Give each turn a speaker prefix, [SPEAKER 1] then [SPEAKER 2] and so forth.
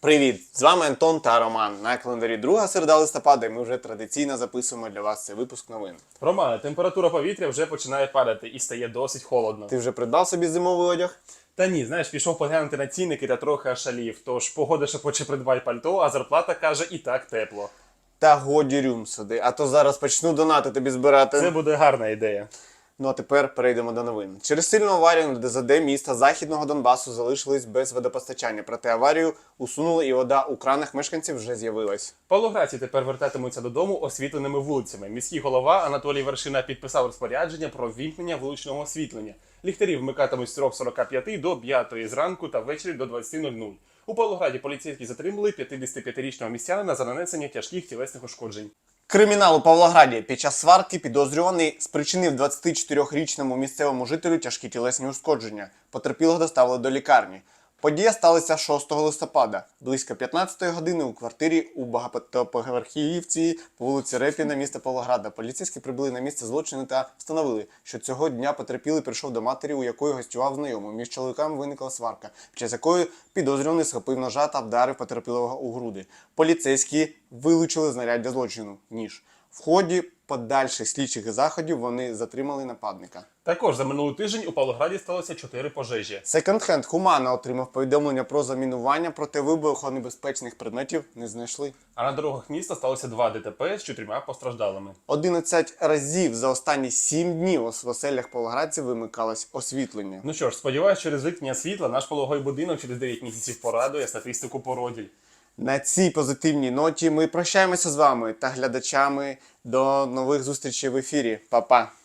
[SPEAKER 1] Привіт! З вами Антон та Роман. На календарі 2 середа листопада і ми вже традиційно записуємо для вас цей випуск новин.
[SPEAKER 2] Романе, температура повітря вже починає падати і стає досить холодно.
[SPEAKER 1] Ти вже придбав собі зимовий одяг?
[SPEAKER 2] Та ні, знаєш, пішов поглянути на цінники та трохи ошалів. Тож погода шепоче придбай пальто, а зарплата каже і так тепло.
[SPEAKER 1] Та годі рюм сюди, а то зараз почну донати тобі збирати.
[SPEAKER 2] Це буде гарна ідея.
[SPEAKER 1] Ну а тепер перейдемо до новин. Через сильну аварію на ДЗД міста Західного Донбасу залишились без водопостачання. Проте аварію усунули і вода у кранах мешканців вже з'явилась.
[SPEAKER 2] Павлоградці тепер вертатимуться додому освітленими вулицями. Міський голова Анатолій Вершина підписав розпорядження про ввімкнення вуличного освітлення. Ліхтарі вмикатимуть з 3:45 до 5 зранку та ввечері до 20:00. У Павлограді поліцейські затримали 55-річного містянина за нанесення тяжких тілесних ушкоджень.
[SPEAKER 1] Кримінал у Павлограді. Під час сварки підозрюваний спричинив 24-річному місцевому жителю тяжкі тілесні ушкодження. Потерпілого доставили до лікарні. Подія сталася 6 листопада. Близько 15-ї години у квартирі у багатоповерхівці по вулиці Репіна міста Павлограда. Поліцейські прибули на місце злочину та встановили, що цього дня потерпілий прийшов до матері, у якої гостював знайомий. Між чоловіками виникла сварка, під час якої підозрюваний схопив ножа та вдарив потерпілого у груди. Поліцейські вилучили знаряддя злочину – ніж. В ході подальших слідчих заходів вони затримали нападника.
[SPEAKER 2] Також за минулий тиждень у Павлограді сталося 4 пожежі.
[SPEAKER 1] Секонд-хенд Хумана отримав повідомлення про замінування, проте вибухонебезпечних предметів не знайшли.
[SPEAKER 2] А на дорогах міста сталося 2 ДТП з 4 постраждалими.
[SPEAKER 1] 11 разів за останні 7 днів в оселях павлоградців вимикалось освітлення.
[SPEAKER 2] Ну що ж, сподіваюсь, через вимкнення світла наш пологовий будинок через 9 місяців порадує статистику породіль.
[SPEAKER 1] На цій позитивній ноті ми прощаємося з вами та глядачами. До нових зустрічей в ефірі. Па-па!